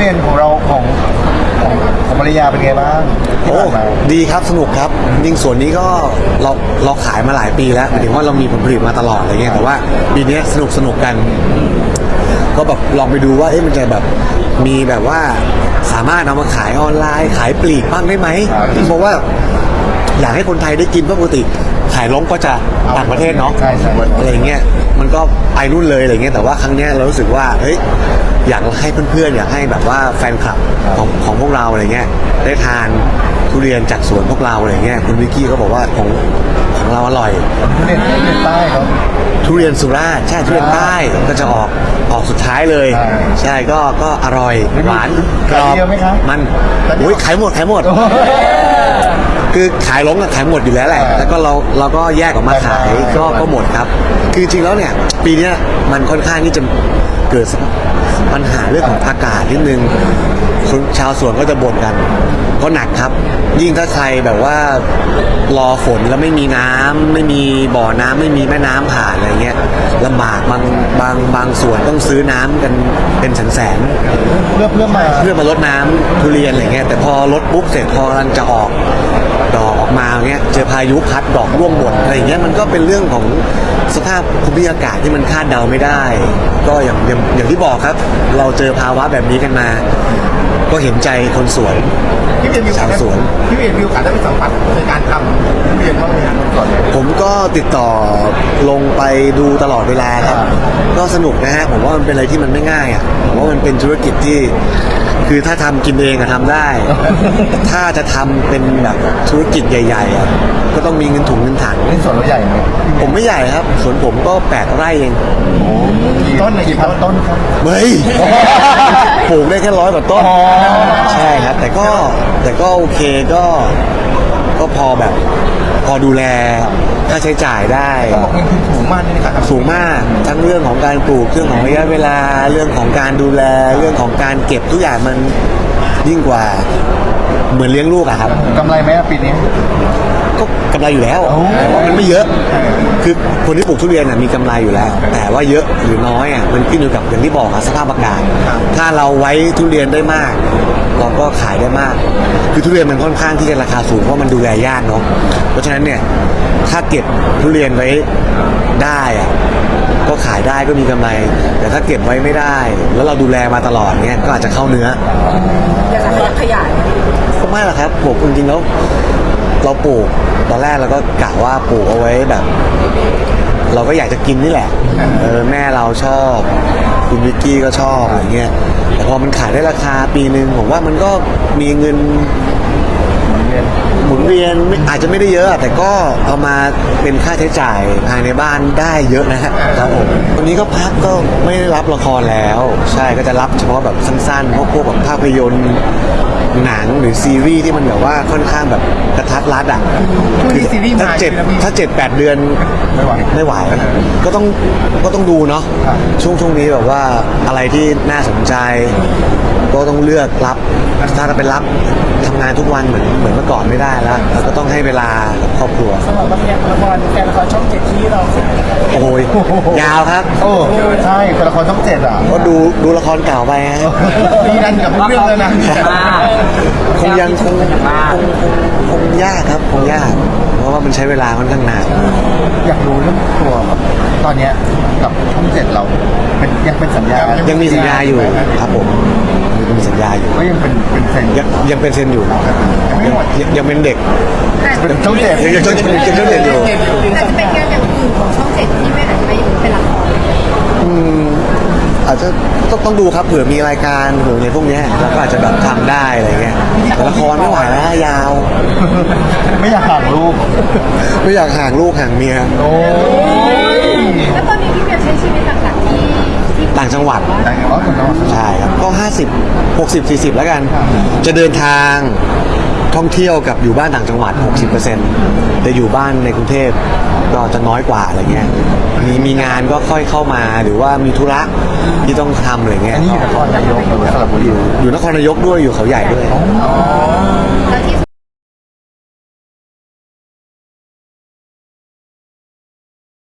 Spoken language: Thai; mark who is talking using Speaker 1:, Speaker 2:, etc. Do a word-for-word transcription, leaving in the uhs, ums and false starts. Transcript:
Speaker 1: เรียนของเราของของของภรรยาเป็นไงบ้างที่
Speaker 2: โอ้
Speaker 1: ผ่านมา
Speaker 2: ดีครับสนุกครับจริงส่วนนี้ก็เราเราขายมาหลายปีแล้วหมายถึงว่าเรามีผลผลิตมาตลอดอะไรเงี้ยแต่ว่าปีนี้สนุกสนุกกัน ก็แบบลองไปดูว่าเอ๊ะมันจะแบบมีแบบว่าสามารถเอามาขายออนไลน์ขายปลีกบ้างได้ไหมเพราะว่าอยากให้คนไทยได้กินเพราะปกติขายล้มก็จะต่างประเทศเนาะ
Speaker 1: ใช่ใช่
Speaker 2: อะไรเงี้ยมันก็ไปรุ่นเลยอะไรเงี้ยแต่ว่าครั้งเนี้ยเรารู้สึกว่าเฮ้ยอยากให้เพื่อนๆอยากให้แบบว่าแฟนคลับของของพวกเราอะไรเงี้ยได้ทานทุเรียนจากสวนพวกเราอะไรเงี้ยคุณวิกกี้ก็บอกว่าของของเราอร่อย
Speaker 1: ทุเรียนทุเรียนใต้เขา
Speaker 2: ทุเรียนสุราษฎร์ใช่ทุเรียนใต้ก็จะออกออกสุดท้ายเลย
Speaker 1: ใช่
Speaker 2: ใช่ก็ก็อร่อยหวานกร
Speaker 1: ขาย
Speaker 2: อบ
Speaker 1: เดียวไหมครับ
Speaker 2: มัน
Speaker 1: ขายเดียว
Speaker 2: โอ้ยขายหมดขายหมด คือขายล้งกับขายหมดอยู่แล้วแหละ
Speaker 1: อ่า
Speaker 2: แล้วก็เราเราก็แยกออกมาขาย
Speaker 1: ใช่
Speaker 2: ก็ก็หมดครับ คือจริงๆแล้วเนี่ยปีเนี้ยมันค่อนข้างที่จะเกิดปัญหาเรื่องของอากาศนิดนึงคนชาวสวนก็จะบ่นกันก็หนักครับ ยิ่งถ้าใครแบบว่ารอฝนแล้วไม่มีน้ำไม่มีบ่อน้ำไม่มีแม่น้ำผ่านอะไรเงี้ยลำบากบางบางบางส่วนต้องซื้อน้ำกันเป็นแสนแสนๆ
Speaker 1: เพื่อเพื่อมา
Speaker 2: เพื่อมาลดน้ำทุเรียนอะไรเงี้ยแต่พอลดปุ๊บเสร็จพอกำลังจะออกดอกออกมาเงี้ยเจอพายุพัดดอกร่วงหมดอะไรเงี้ยมันก็เป็นเรื่องของสภาพภูมิอากาศที่มันคาดเดาไม่ได้ ก็อย่างอย่างอย่างที่บอกครับ เราเจอภาวะแบบนี้กันมา ก็เห็นใจคนสวน
Speaker 1: พี่เรียนมีโอกาส
Speaker 2: ชาวสวน
Speaker 1: พี่เรียนมีโอกาสได้ไปสัมผัสในการทำทุเรียนบ้างไหมครับก่อนเลย
Speaker 2: ผมก็ติดต่อลงไปดูตลอดเวลาครับ
Speaker 1: อ่า
Speaker 2: ก็สนุกนะฮะผมว่ามันเป็นอะไรที่มันไม่ง่ายอ่ะผมว่ามันเป็นธุรกิจที่ คือถ้าทำกินเองอะทำได้ ถ้าจะทำเป็นแบบธุรกิจใหญ่ๆอะก็ต้องมีเงินถุงเงินถัง
Speaker 1: นี่สวนเราใหญ่ไหม
Speaker 2: ผมไม่ใหญ่ครับสวนผมก็แปดไร่เอง
Speaker 1: กี่ต้นกี่พันต้นครับ
Speaker 2: เฮ้ย ปลูกได้แค่ร้อยกว่าต้น
Speaker 1: อ๋อ
Speaker 2: ใช่ครับ แต่ก็แต่ก็โอเคก็ก็พอแบบพอดูแลค่าใช้จ่ายได้
Speaker 1: ต้องบอกเงินทุนสูงมากนี่นะครับ
Speaker 2: สูงมากทั้งเรื่องของการปลูกเรื่องของระยะเวลาเรื่องของการดูแลเรื่องของการเก็บทุกอย่างมันยิ่งกว่าเหมือนเลี้ยงลูกอะครับ
Speaker 1: กำไรไหมอะปีนี้
Speaker 2: ก็กำไรอยู่แล้ว
Speaker 1: โอ้
Speaker 2: แต่ว่ามันไม่เยอะ คือคนที่ปลูกทุเรียนน่ะมีกำไรอยู่แล้ว แต่ว่าเยอะหรือน้อยอ่ะมันขึ้นอยู่กับอย่างที่บอกอะสภาพอากาศ ถ้าเราไว้ทุเรียนได้มาก เราก็ขายได้มาก คือทุเรียนมันค่อนข้างที่จะราคาสูงเพราะมันดูแลยากเนาะเพราะฉะนั้นเนี่ยถ้าเก็บทุเรียนไว้ได้อะก็ขายได้ก็มีกำไร แต่ถ้าเก็บไว้ไม่ได้ แล้วเราดูแลมาตลอดเนี่ยก็อาจจะเข้าเนื้อ
Speaker 3: อยากจะขยาย
Speaker 2: ก็ไม่หรอกครับผมจริงๆแล้วเราปลูกตอนแรกเราก็กะว่าปลูกเอาไว้แบบ เราก็อยากจะกินนี่แหละเออแม่เราชอบคุณวิกกี้ก็ชอบอะไรเงี้ยแต่พอมันขายได้ราคาปีหนึ่งผมว่ามันก็มีเงินหมุนเวียนไม่อาจจะไม่ได้เยอะ แต่ก็เอามาเป็นค่าใช้จ่ายภายในบ้านได้เยอะนะฮะครับผมวันนี้ก็พักก็ไม่ได้รับละครแล้ว ใช่ก็จะรับเฉพาะแบบสั้นๆพวกพวกแบบภาพยนตร์หนังหรือซีรีส์ที่มันแบบว่าค่อนข้างแบบกระทัดรัดอ่ะ
Speaker 1: ช่วงนี้ซีรีส์
Speaker 2: ถ้า
Speaker 1: มา
Speaker 2: เจ็ด
Speaker 1: ใช่ไหมพี่
Speaker 2: ถ้าเจ็ดแปดเดือน
Speaker 1: ไม่ไหว
Speaker 2: ไม่ไหวก็ต้องก็ต้องดูเนาะ
Speaker 1: ครับ
Speaker 2: ช่วงช่วงนี้แบบว่าอะไรที่น่าสนใจ ก็ต้องเลือกรับ ถ้าจะไปรับทำงานทุกวันเหมือนเหมือนเมื่อก่อนไม่ได้แล้วแล้วก็ต้องให้เวลากับครอบครัว
Speaker 3: สำหรับละครละครแฟนละครช่องเจ็ดที่เรา
Speaker 2: โอ้ยยาวครับ
Speaker 1: โอ้ใช่เป็นละครช่องเจ็ดอ่ะ
Speaker 2: ก็ดูดูละครเก่าไปฮะ
Speaker 1: มีดันกับเรื่องเลยนะ
Speaker 2: คงยังคงคงคงคงยากครับคงยาก เพราะว่ามันใช้เวลาค่อนข้างนาน
Speaker 1: อยากรู้เรื่องตัวแบบตอนเนี้ยกับช่องเจ็ดเราเป็นยังเป็นสัญญา
Speaker 2: ยั
Speaker 1: ยัง
Speaker 2: มีสัญญาอยู่ครับผมยังมีสัญญาอยู่
Speaker 1: ก็ยังเป็นเป็นแฟน
Speaker 2: ยังยังเป็นเซนอยู่
Speaker 1: ยังไม่หมด
Speaker 2: ยังยังเป็นเด็ก
Speaker 1: เป็นช่องเจ็ด
Speaker 2: ยังยังยังยังยังเด็กอยู่
Speaker 4: อาจจะเป็นงานอย่างอื่นของช่องเจ็ดที่ไม่อาจจะไม่เป็นละคร
Speaker 2: อืมอาจจะต้องต้องดูครับเผื่อมีรายการเผื่อในพวกเนี้ยเราก็อาจจะแบบทำได้อะไรเงี้ยแต่ละครไม่ไหวแล้วยาว
Speaker 1: ไม่อยากห่างลูก
Speaker 2: ไม่อยากห่างลูกห่างเมีย
Speaker 1: โอ้ย
Speaker 4: แล้วตอนนี้พี่เบียร์ใช้ชีวิตหลักๆที่ที่
Speaker 2: ต่างจังหวัด
Speaker 1: แต่ว่าคนเรา
Speaker 2: ใช่ครับก็ห้าสิบหกสิบสี่สิบแล้วกัน จะเดินทางท่องเที่ยวกับอยู่บ้านต่างจังหวัด หกสิบเปอร์เซ็นต์ แต่อยู่บ้านในกรุงเทพก็จะน้อยกว่าอะไรเงี้ยมีมีงานก็ค่อยเข้ามาหรือว่ามีธุระที่ต้องทำอะไรเงี้
Speaker 1: อั
Speaker 2: ย
Speaker 1: นนี้อยู่นครนายกหรือสระบุรี
Speaker 2: อยู่นครนายกด้วยอยู่เขาใหญ่ด้วย
Speaker 4: แล้วที่